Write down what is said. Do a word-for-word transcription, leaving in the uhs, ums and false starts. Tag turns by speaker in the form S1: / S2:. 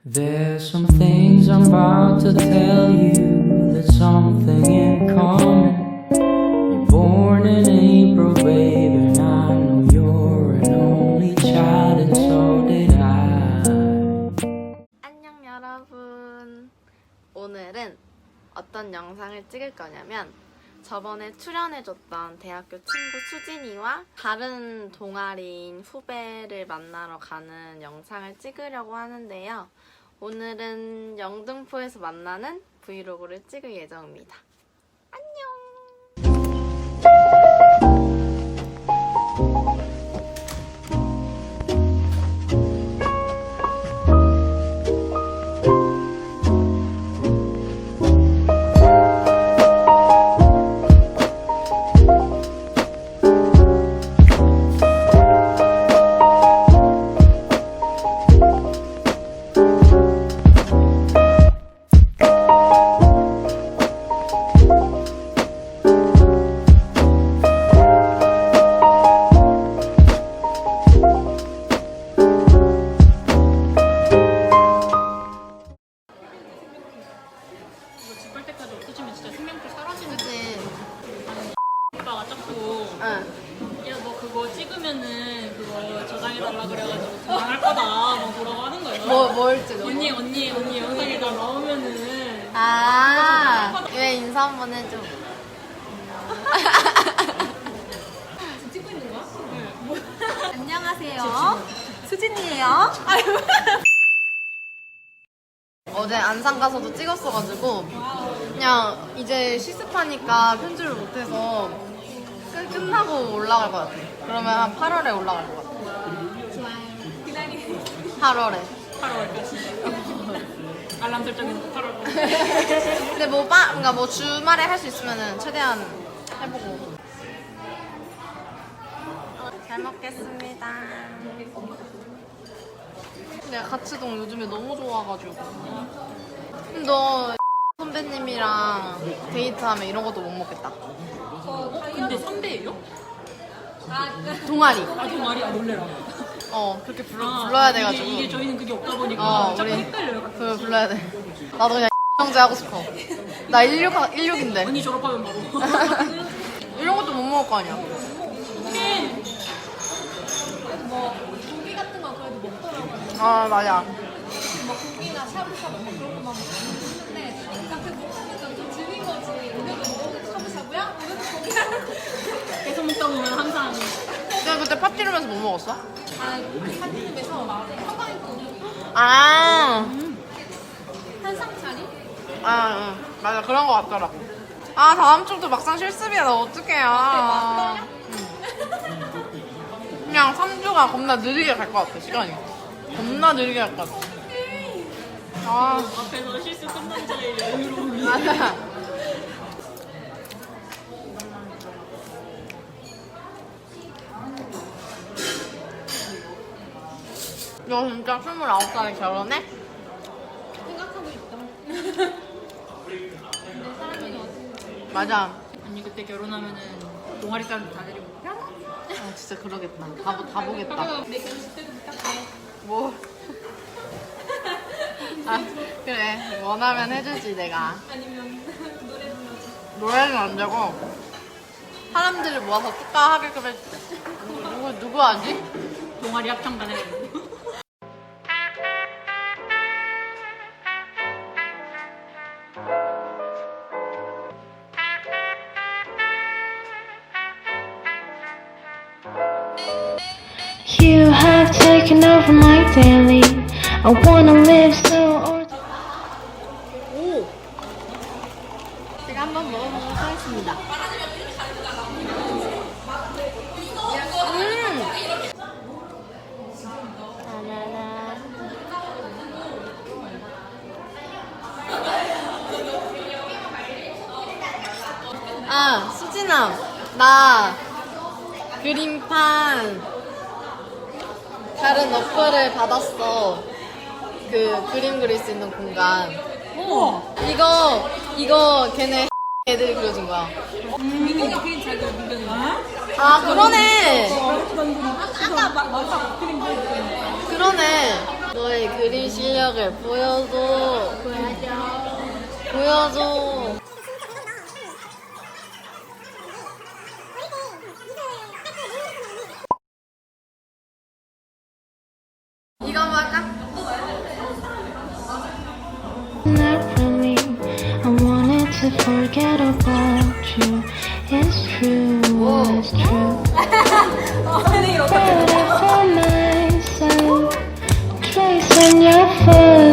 S1: There's some things I'm about to tell you. There's something in common. You're born in April, baby, and I know you're an only child, and so did I.
S2: 안녕 여러분. 오늘은 어떤 영상을 찍을 거냐면 저번에 출연해줬던 대학교 친구 수진이와 다른 동아리인 후배를 만나러 가는 영상을 찍으려고 하는데요. 오늘은 영등포에서 만나는 브이로그를 찍을 예정입니다. 안녕!
S3: 찍으면은 그거 저장해달라 그래가지고 저장할 거다 뭐 뭐라고 하는 거예요.
S2: 뭐, 뭘 찍어?
S3: 언니 언니 언니 영상에다 나오면은
S2: 아, 왜 인사 한번 해줘.
S3: 찍고 있는 거야? 네.
S2: 안녕하세요. 수진이에요. 어제 안산 가서도 찍었어가지고 그냥 이제 실습하니까 편집을 못해서 끝, 끝나고 올라갈 것 같아. 그러면 한 팔월에 올라갈 것 같아.
S3: 좋아요. 기다리.
S2: 팔월에.
S3: 팔월까지. 알람 설정해서 팔월까지.
S2: 근데 뭐 빠, 그러니까 뭐 주말에 할 수 있으면은 최대한 해보고. 잘 먹겠습니다. 근데 가츠동 요즘에 너무 좋아가지고. 근데 너 선배님이랑 데이트하면 이런 것도 못 먹겠다.
S3: 어, 근데 선배예요?
S2: 동아리.
S3: 아 동아리 아 놀래라.
S2: 어 그렇게 불러,
S3: 아,
S2: 불러야 돼가지고.
S3: 이게, 이게 저희는 그게 없다 보니까
S2: 어
S3: 자꾸
S2: 우리
S3: 헷갈려요.
S2: 그 불러야 돼. 나도 그냥 형제 하고 싶어. 나 일육 일육인데.
S3: 언니 졸업하면 바로.
S2: 이런 것도 못 먹을 거 아니야.
S3: 뭐 고기 같은 거 그래도 먹더라고요.
S2: 아 맞아.
S3: 뭐 고기나 샤브샤브 뭐 그런 거만 먹는데 그러니까 그 먹으니까 좀 질린 거지. 오늘도 먹어도 샤브샤브야? 오늘도 고기야? 계속 먹다 보면 항상
S2: 내가 그때 파티룸에서 뭐 먹었어?
S3: 아 사진집에서 한강 있고
S2: 아,
S3: 한상 차림?
S2: 아, 응. 맞아 그런 거 같더라고. 아 다음 주도 막상 실습이야. 나 어떡해요. 응. 그냥 삼 주가 겁나 느리게 갈 것 같아. 시간이 겁나 느리게 갈 것 같아. 아
S3: 앞에서 실수 끝난 자의 여유로움이
S2: 맞아. 너 진짜 스물아홉 살에 결혼해?
S3: 생각하고 있다. 내 사람이 어디?
S2: 맞아.
S3: 언니 그때 결혼하면은 동아리 사람 다 데리고 가.
S2: 아 진짜 그러겠다. 다, 보- 다 보겠다.
S3: 내 결혼식 때도 부탁해.
S2: 뭐? 아 그래 원하면 해주지 내가.
S3: 아니면 노래 불러줘.
S2: 노래는 안 되고 사람들을 모아서 축하하게끔 해줄게. 누구 누구 하지?
S3: 동아리 합창단 해가지고.
S4: You have taken over my daily. I wanna live so or
S2: 오. 제가 한번 먹어보도록 하겠습니다. 음. 라라라. 아 수진아 나 그림판 다른 어플을 받았어. 그 그림 그릴 수 있는 공간.
S3: 오.
S2: 이거 이거 걔네 애들이 그려준 거야.
S3: 민경이 그림 잘 그려 민경이.
S2: 아 그러네.
S3: 아까 막 맞아 그림 그리고
S2: 그러네. 너의 그림 실력을 보여줘.
S3: 보여줘.
S2: 보여줘. 이거 한번 할까?
S4: Not really. I wanted to forget about you. It's true, it's true. But I found myself tracing your foot.